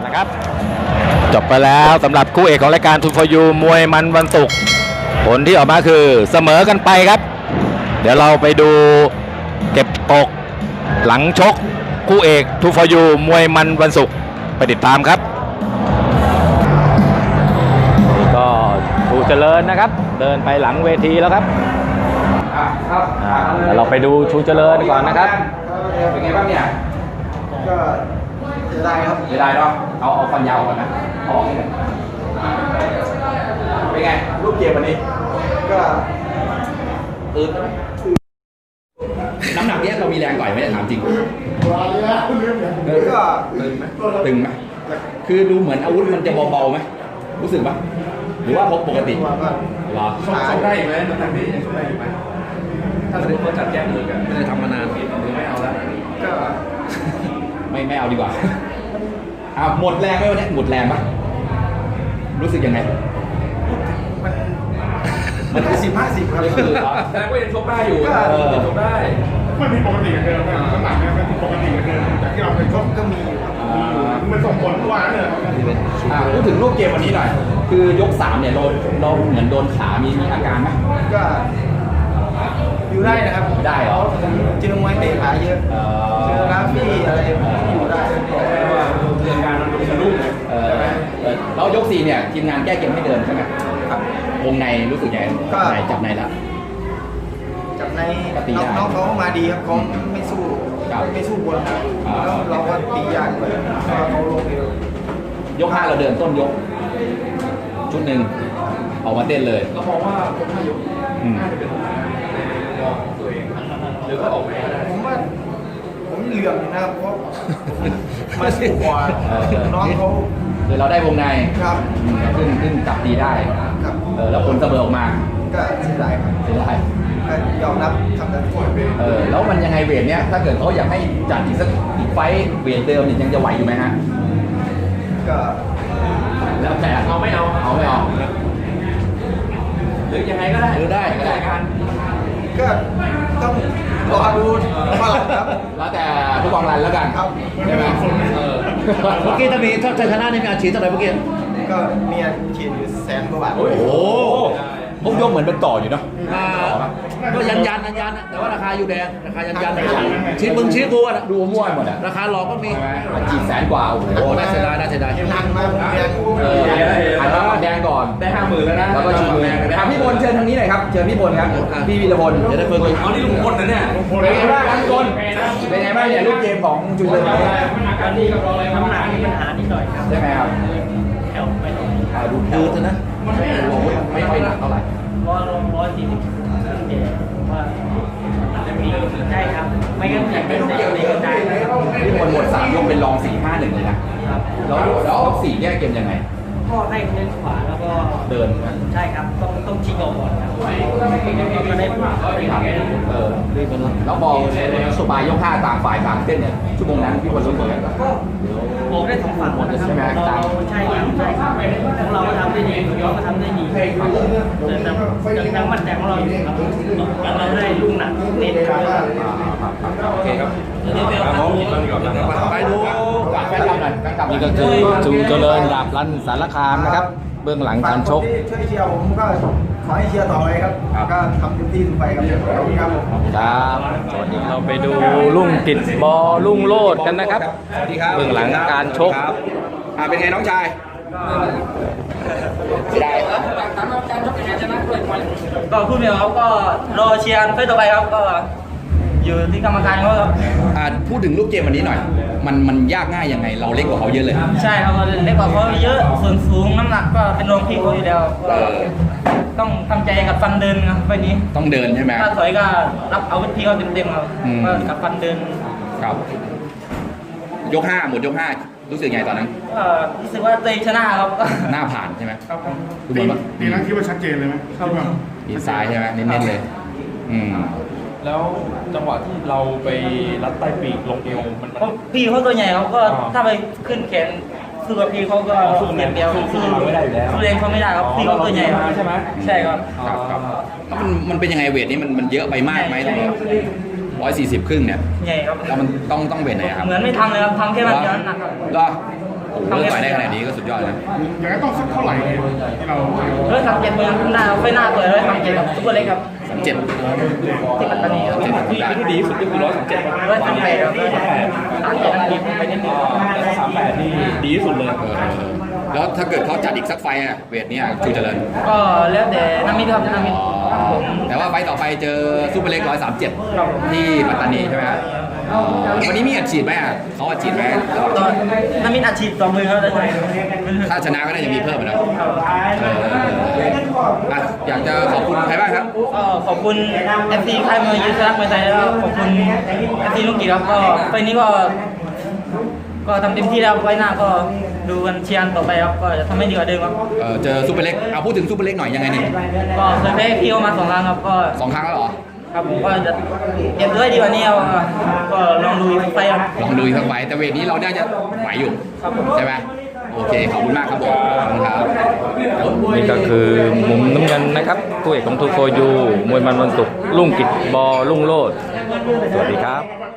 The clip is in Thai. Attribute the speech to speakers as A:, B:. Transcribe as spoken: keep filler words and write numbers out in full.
A: นะครับจบไปแล้วสำหรับคู่เอกของรายการทูฟอร์ยูมวยมันวันศุกร์ผลที่ออกมาคือเสมอกันไปครับ เดี๋ยวเราไปดูเก็บตกหลังชกคู่เอกทูฟอร์ยูมวยมันวันศุกร์ไปติดตามครับนี่ก็ทูเจริญนะครับเดินไปหลังเวทีแล้วครับเดี๋ยวเราไปดูชูเจริญก่อนนะครับเป็นไงบ้างเนี่ย
B: ก็เสียดายครับ
A: เสียดายเนาะเอาเอาฟันยาวก่อนนะออกนี่เป็นไงรูปเกมวันนี้
B: ก็
A: อืดน้ำหนักเนี้ยเรามีแรงต่อยไหมถามจริง
B: ก็
A: ตึงไหมตึงไหมคือดูเหมือนอาวุธมันจะเบาๆไหมรู้สึกปะหรือว่าพกปกติหรอ
C: ชกได้ไหมน้ำหนักนี้ยังชกได้ไหมถ้าสมมติเขาจัดแก้มือกัน
A: ไม่ได้ทำมานาน
C: ไม่เอาแล้ว
B: ก็
A: ไม่ไม่เอาดีกว่าอ่าหมดแรงไหมวันนี้หมดแรงปะรู้สึกยังไง
B: มันมันห้าสิบห้าสิบครับ
C: แต่ก็ยังชกได้อยู่ยังชกได้
D: ไม่มีปกติกันเดิมนะน้ำหนักเนี่ยเป็นปกติกันเดิมจากที่เราเคยชก
B: ก็มีมีอยู่
D: มันส่งผลตัวนั่นเลย
A: พูดถึงรูปเกมวันนี้หน่อยคือยกสามเนี่ยเราเราเหมือนโดนขามีมีอาการไหม
B: ก็อยู่ได้นะครับ
A: ได้เหรอ
B: เจอมวยเตะขาเยอะเจอกราฟี่อะไรอยู่ได้
C: ว่าเรื่องการมันสะดุ้งเลย
A: แล้วยกสี่เนี่ยทีมงานแก้เกมให้เดินใช่ไหม
B: ครับ
A: วงในรู้สึกยังไงไหนจับในแล้ว
B: จับในน้องเขามาดีครับเขาไม่สู้ไม่สู้บนแล้วเราก็ตียากเลยเขาลงเร็วย
A: กห้าเราเดินต้นยกชุดหนึ่งออกมาเต้นเลย
C: เรามองว่าผมห้ายกน่าจะเป็นตัวเองหรือก็ออกไป
B: ผมว่าผมเหลื่อมนะครับเพราะมาสู้กว่าน้องเขา
A: คือเราได้วงใน
B: ครับ
A: ขึ้นขึ้นจับดีได้
B: ครับ
A: เออแล้วผลเสมอออกมา
B: ก็เสียดายครับ
A: เสียดาย
B: ยอมรับทำได้ทุก
A: เออแล้วมันยังไงเวทเนี้ยถ้าเกิดเขาอยากให้จัดอีกสักอีกไฟเวทเดิมนี่ยังจะไหวอยู่ไหมฮะ
B: ก็
A: แล้วแต่
C: เอาไม่เอา
A: เอาไม่เอา
C: หรือยังไงก็ได้
A: หรือได้ก็ได้
C: การ
B: ก็ต้องรอดูว่าครับ
A: แล้วแต่ผู้กองรันแล้วกัน
B: ครับ
A: ใช่ไหมเออ
E: เมื่อกี้ถ้ามีถ้าชนะนี่มีอาชีพเท่าไหร่เมื่อกี้
B: ก็มีอาชีพอยู่แสนกว่าบาท
A: โอ้โหพวกยกเหมือนเป็นต่ออยู่เนาะ
E: ก็ยันยันยันยันแต่ว่าราคาอยู่แดงราคายันยันชิ้นมึงชิ้นกูอ่ะ
A: ดูมั่วหมดอ่ะ
E: ราคาหลอกก็มี
A: จีบแสนกว่าโอ้โห
E: น่าเสียดายน่าเสียดาย
B: ทางมาแดง
A: เออหันมาแดงก่อน
C: ได้ห้าหมื่นแล้วนะ
A: แล้วก็ชิงแดงถามพี่พลเชิญทางนี้หน่อยครับเชิญพี่พลครับพี่วีรพล
E: จะได้เพิ่ม
C: เอานี่ลุงพลนะเนี่ย
A: เป็นไงบ้างพี่พลเป็นไงบ้างเนี่ยรูปเกมของจุฬา
C: น้ำหนักนี่กับเราเลยน้ำหนักมีปัญหานิดหน่อยครับ
A: ใช่ไหมครับ
C: แถวไม่ต้อง
A: ดูดูเถอะนะมันไม่ไม่ค่อยหนักเท่าไหร่
C: ร้อยร้อยสี่สิบเจ็ดว่าจะมีใช่ครับไม่งั้นอยากเป็นเด็กๆได้
A: พี่พลหมดสามยกเป็นรองสี่ห้าหนึ่งเลยนะครับแล้วแล้วสี่แยกเกมยังไง
C: ก็ได้เดินขวาแล้วก็
A: เดิน
C: ใช่ครับต้องต้องชิงออกก่อนครับก็ได้ขวา
A: เออแล้วมองสบายยกห้าต่างฝ่ายต่างเส้นเนี่ยชั่วโมงนั้นพี่พลรู้สึกยังไง
C: ก็ออกได้สองฝั่งหมดใช่ไหมเราใช่ครับใช่ครับของเราก็ทำได้ดีของเราก็ทำได้ดีแต่ยังมั่นใจของเราอยู่ครับเราได้ลูกหนักเน้นครับ
A: โอเคครับ
E: ไปดู
A: การแฟนคลับหน่อยนี่ก็คือจูเจริญดาบรันสารคามนะครับเบื้องหลังการชก
B: ช่วยเชียร์ผมก็ขอให้เชียร์ต่อเลยครับก็ทำเต็มที่ทุกไปครับขอบคุณครับ
A: ครับสวัสดีเราไปดูลุ่งติดบอลุ่งโลดกันนะครับเบื้องหลังการชกอ่าเป็นไงน้องชายได้
C: ก็พูดเดียวเขาก็รอเชียร์เพื่อต่อไปครับก็อยู่ที่กรรมการเขาครับ
A: พูดถึงรูปเกมวันนี้หน่อยมันมันยากง่ายยังไงเราเล็กกว่าเขาเยอะเลย
C: ใช่ครับเราเล็กกว่าเขาเยอะส่วนสูงน้ำหนักก็เป็นรองพี่เขาอยู่แล้วต้องทำใจกับฟันเดินครับไปนี้
A: ต้องเดินใช่ไหม
C: ถ้าถอยก็รับเอาพี่เขาเต็มๆครับก็กับฟันเดิน
A: ครับยกห้าหมดยกห้ารู้สึกไงตอนนั้น
C: ก็รู้สึกว่าตัวเองชนะครับ
A: หน้าผ่านใช่ไหม
D: ครับตีตีนั้นคิดว่าชัดเจนเลยไหม
C: ครับ
A: ตีซ้ายใช่ไหมเน้นๆเลยอืม
F: แล้วจังหวะที่เราไปรัดใต้ปีกลงเอวมัน
C: พี่เขาตัวใหญ่เขาก็ถ้าไปขึ้นแขนสู้กับพี่เขาก็สู้เดียว
F: สู้เราไม่ได้อยู่แล้ว
C: สู้เองเขาไม่ได้ครับพี่เขาตัวใหญ่
F: ใช่ไหม
C: ใช่ครับ
A: ครับแล้วมันมันเป็นยังไงเวทนี้มันมันเยอะไปมากไหมตรงนี้ร้อยสี่สิบครึ่งเนี่ย
C: ใหญ่ครับ
A: แล้วมันต้องต้องเวทไหนครับ
C: เหมือนไม่ทำเลยครับทำแค่วันเดียวหนักครับ
A: เหรอ
G: โอ้โหต่อยได้ขนาดนี้ก็สุดยอดนะ
D: อย่างนั้นต้องสักเท่าไหร่เนี่ยที่เรา
C: เฮ้ยทำเจ็ดมือหน้าไฟหน้าเปิดเลยทำเจ็ดกับซุปเปอร์เล็กครับ
G: สามเจ็ด
C: ที่ปัตตานีครับ
F: ที่ที่ดีที่สุดก็คือร้อยสามเจ็ด
C: ร้อยสามแปดครับสามเจ็ดอันนี้ไปนิดนึง
F: แล้วสามแปดนี่ดีที่สุดเลย
G: แล้วถ้าเกิดเขาจัดอีกสักไฟต์อะเวทเนี้ยชูเจริญ
C: ก็แล้วแต่น้ำมิตรครับน้ำมิตร
G: แต่ว่าไฟต์ต่อไปเจอซูเปอร์เล็กร้อยสามเจ็ดที่ปัตตานีใช่ไหมฮะวันนี้มีอัดฉีดไหมอ่ะเขาอัดฉีดไหม
C: ตอนน้ำมิตรอาชีพต่อมือครับได้ไหม
G: ถ้าชนะก็น่าจะมีเพิ่มอะนะเอออ่ะอยากจะขอบคุณใครบ้างครับ
C: ก็ขอบคุณ เอฟ ซี ค่ายมวยยูสรักมวยไทยแล้วก็ขอบคุณ เอฟ ซี ลูกกีครับก็ไฟล์นี้ก็ ก็ทำเต็มที่แล้วไว้หน้าก็ดูกันเชียร์ต่อไปครับก็จะทำให้ดีกว่าเดิมครับ
G: เออเจอซูเปอร์เล็กเอาพูดถึงซูเปอร์เล็กหน่อยยังไงเนี่ย
C: ก็เคยแพ้พี่เขามาสองครั้งครับก็
G: สองครั้งแล้วเหรอ
C: ครับผมก็จะเก็บด้วยดีกว่านี้ครับก็ลองดูอีกไฟล์ครับ
G: ลองดูอีกสักไฟต์แต่เวทนี้เราน่าจะไหวอยู่
C: ครับผม
G: ใช่ไหมโอเคขอบคุณมากครับผมขอบคุณครับ
A: นี่ก็คือมุมน้ำเงินนะครับคู่เอกของทูโฟยูมวยมันวันศุกร์ลุ่งกิจบอลุ่งโลดสวัสดีครับ